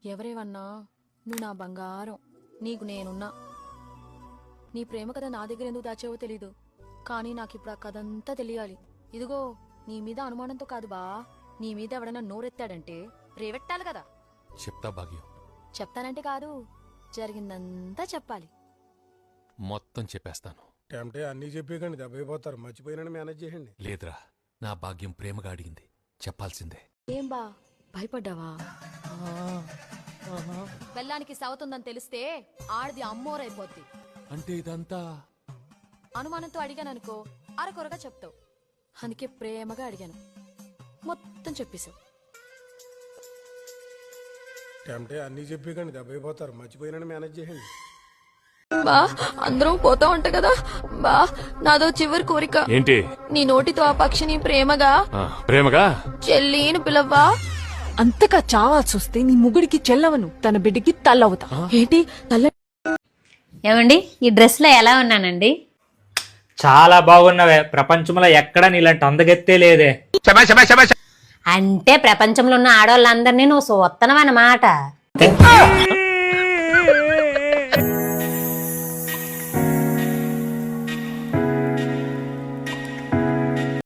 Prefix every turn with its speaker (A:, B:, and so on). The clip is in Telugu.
A: ఎవరేవన్నా నువ్వు నా బంగారం, నీకు నేనున్నా. నీ ప్రేమ కథ నా దగ్గర ఎందుకు దాచావో తెలీదు, కానీ నాకిప్పుడు ఆ కథ అంతా తెలియాలి. ఇదిగో నీ మీద అనుమానంతో కాదు బా, నీ మీద ఎవడన్నా నోరెత్తాడంటే రేవెట్టాలి కదా.
B: చెప్తా భాగ్యం.
A: చెప్తానంటే కాదు, జరిగిందంతా చెప్పాలి.
B: మొత్తం చెప్పేస్తాను.
C: అంటే అన్నీ చెప్పేకండి దెబ్బైపోతారు, మర్చిపోయినని మేనేజ్ చేయండి.
B: లేదురా, నా భాగ్యం ప్రేమగా అడిగింది, చెప్పాల్సిందే.
A: ఏం బా భయపడ్డావా? బెల్లానికి సవతుందని తెలిస్తే ఆడిది అమ్మోరైపోద్ది.
B: అంటే ఇదంతా
A: అనుమానంతో అడిగాననుకో అరకొరగా చెప్తావు, అందుకే ప్రేమగా అడిగాను, మొత్తం చెప్పేశావు.
C: అంటే అన్నీ చెప్పేకండి దెబ్బైపోతారు, మర్చిపోయినని మేనేజ్ చేయండి.
A: బా అందరం పోతా ఉంటా కదా బా, నాదో చివరి కోరిక.
B: ఏంటి?
A: నీ నోటితో ఆ పక్షిని ప్రేమగా
B: ప్రేమగా
A: చెల్లిని పిలవ్వా.
D: అంతగా చావాల్సి వస్తే నీ ముగుడికి చెల్లవను, తన బిడ్డకి తల్లవుతా. ఏంటి తల్ల?
E: ఏమండి ఈ డ్రెస్ లో ఎలా ఉన్నానండి?
F: చాలా బాగున్నావే, ప్రపంచంలో ఎక్కడ నీలాంటి అందగెత్తే లేదే.
E: అంటే ప్రపంచంలో ఉన్న ఆడవాళ్ళందరినీ నువ్వు సొత్తనవన్నమాట.